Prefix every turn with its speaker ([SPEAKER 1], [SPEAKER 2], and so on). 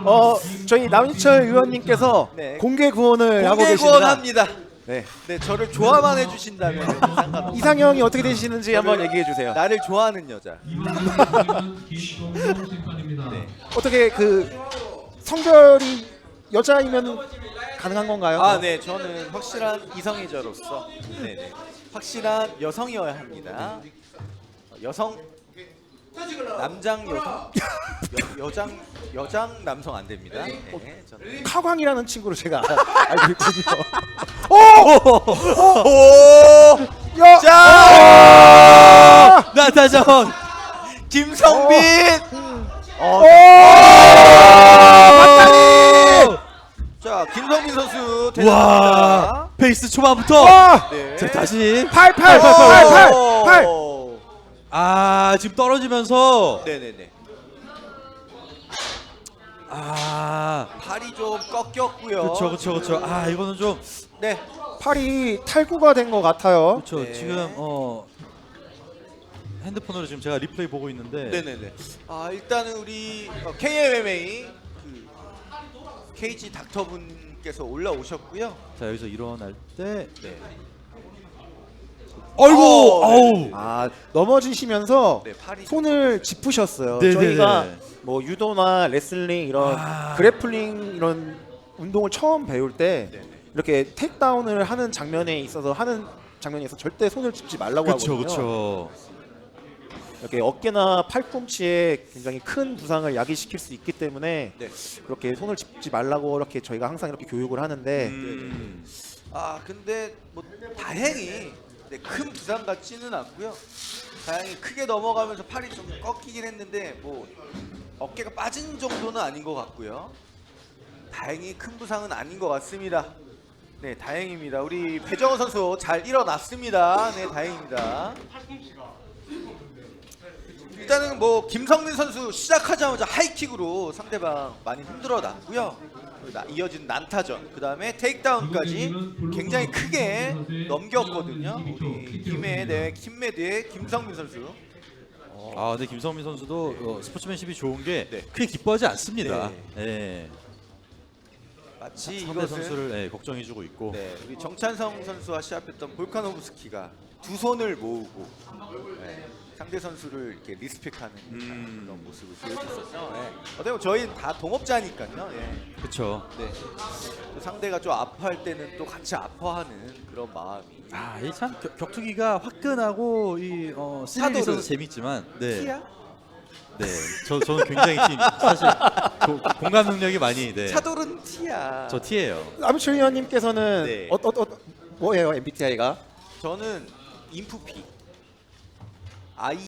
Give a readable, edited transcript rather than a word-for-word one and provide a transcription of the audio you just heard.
[SPEAKER 1] 저희 남인철 의원님께서
[SPEAKER 2] 네.
[SPEAKER 1] 공개 구원을 하고
[SPEAKER 2] 공개
[SPEAKER 1] 계십니다.
[SPEAKER 2] 구원합니다.
[SPEAKER 1] 네.
[SPEAKER 2] 네, 저를 좋아만 해주신다면 상관없습니다.
[SPEAKER 1] 이상형이 어떻게 되시는지 한번 얘기해 주세요.
[SPEAKER 2] 나를 좋아하는 여자.
[SPEAKER 3] 네.
[SPEAKER 1] 어떻게 그 성별이 여자이면 가능한 건가요?
[SPEAKER 2] 아, 네, 저는 확실한 이성애자로서 네네 확실한 여성이어야 합니다. 여성 남장 여성 여장 남성 안 됩니다. 네, 저는
[SPEAKER 1] 카광이라는 친구를 제가 알고 있거든요.
[SPEAKER 2] 오!
[SPEAKER 1] 야!
[SPEAKER 2] 자! 나타전 김성빈! 자, 김성빈 선수
[SPEAKER 3] 와
[SPEAKER 2] 대단합니다.
[SPEAKER 3] 페이스 초반부터
[SPEAKER 2] 네.
[SPEAKER 3] 자 다시
[SPEAKER 1] 8.
[SPEAKER 3] 아 지금 떨어지면서
[SPEAKER 2] 네네네.
[SPEAKER 3] 아
[SPEAKER 2] 팔이 좀 꺾였고요.
[SPEAKER 3] 그쵸 아 이거는 좀
[SPEAKER 2] 네.
[SPEAKER 1] 팔이 탈구가 된 것 같아요.
[SPEAKER 3] 그쵸
[SPEAKER 2] 네.
[SPEAKER 3] 지금 핸드폰으로 지금 제가 리플레이 보고 있는데
[SPEAKER 2] 네네네. 아, 일단은 우리 KMMA 그 KG 닥터분께서 올라오셨고요.
[SPEAKER 3] 자 여기서 일어날 때
[SPEAKER 2] 네.
[SPEAKER 3] 아이고
[SPEAKER 2] 네.
[SPEAKER 1] 아, 넘어지시면서
[SPEAKER 2] 네, 팔이
[SPEAKER 1] 손을 짚으셨어요.
[SPEAKER 3] 네네네.
[SPEAKER 1] 저희가 뭐 유도나 레슬링 이런
[SPEAKER 3] 아.
[SPEAKER 1] 그래플링 이런 운동을 처음 배울 때
[SPEAKER 2] 네네.
[SPEAKER 1] 이렇게 테이크다운을 하는 장면에 있어서 절대 손을 짚지 말라고 하거든요.
[SPEAKER 3] 그쵸
[SPEAKER 1] 이렇게 어깨나 팔꿈치에 굉장히 큰 부상을 야기시킬 수 있기 때문에
[SPEAKER 2] 네.
[SPEAKER 1] 그렇게 손을 짚지 말라고 이렇게 저희가 항상 이렇게 교육을 하는데
[SPEAKER 2] 아, 근데 뭐 다행히 큰 부상 같지는 않고요. 다행히 크게 넘어가면서 팔이 좀 꺾이긴 했는데 뭐 어깨가 빠진 정도는 아닌 것 같고요. 다행히 큰 부상은 아닌 것 같습니다. 네, 다행입니다. 우리 배정호 선수 잘 일어났습니다. 네, 다행입니다. 일단은 뭐 김성민 선수 시작하자마자 하이킥으로 상대방 많이 흔들어 놨고요. 이어진 난타전, 그 다음에 테이크다운까지 굉장히 크게 넘겼거든요. 우리 김매드의 김성민 선수.
[SPEAKER 3] 아 근데 김성민 선수도 스포츠맨십이 좋은 게
[SPEAKER 2] 네.
[SPEAKER 3] 크게 기뻐하지 않습니다.
[SPEAKER 2] 네.
[SPEAKER 3] 예.
[SPEAKER 2] 마치
[SPEAKER 3] 상대
[SPEAKER 2] 이것은
[SPEAKER 3] 선수를 걱정해주고 있고.
[SPEAKER 2] 네, 우리 정찬성 선수와 시합했던 볼카노브스키가 두 손을 모으고 상대 선수를 이렇게 리스펙하는 그런 모습을 보여줬었죠. 어떻게 보면 저희 다 동업자니까요.
[SPEAKER 3] 그렇죠.
[SPEAKER 2] 네. 또 상대가 좀 아파할 때는 또 같이 아파하는 그런 마음이.
[SPEAKER 3] 이 참 격투기가 화끈하고 스릴이 있어서 재밌지만
[SPEAKER 2] 티야?
[SPEAKER 3] 네, 저는 굉장히 사실 공감 능력이 많이
[SPEAKER 2] 차돌은 티야.
[SPEAKER 3] 저 T예요.
[SPEAKER 1] 남인철 의원님께서는
[SPEAKER 2] 네.
[SPEAKER 1] 뭐예요 MBTI가?
[SPEAKER 2] 저는 인프피.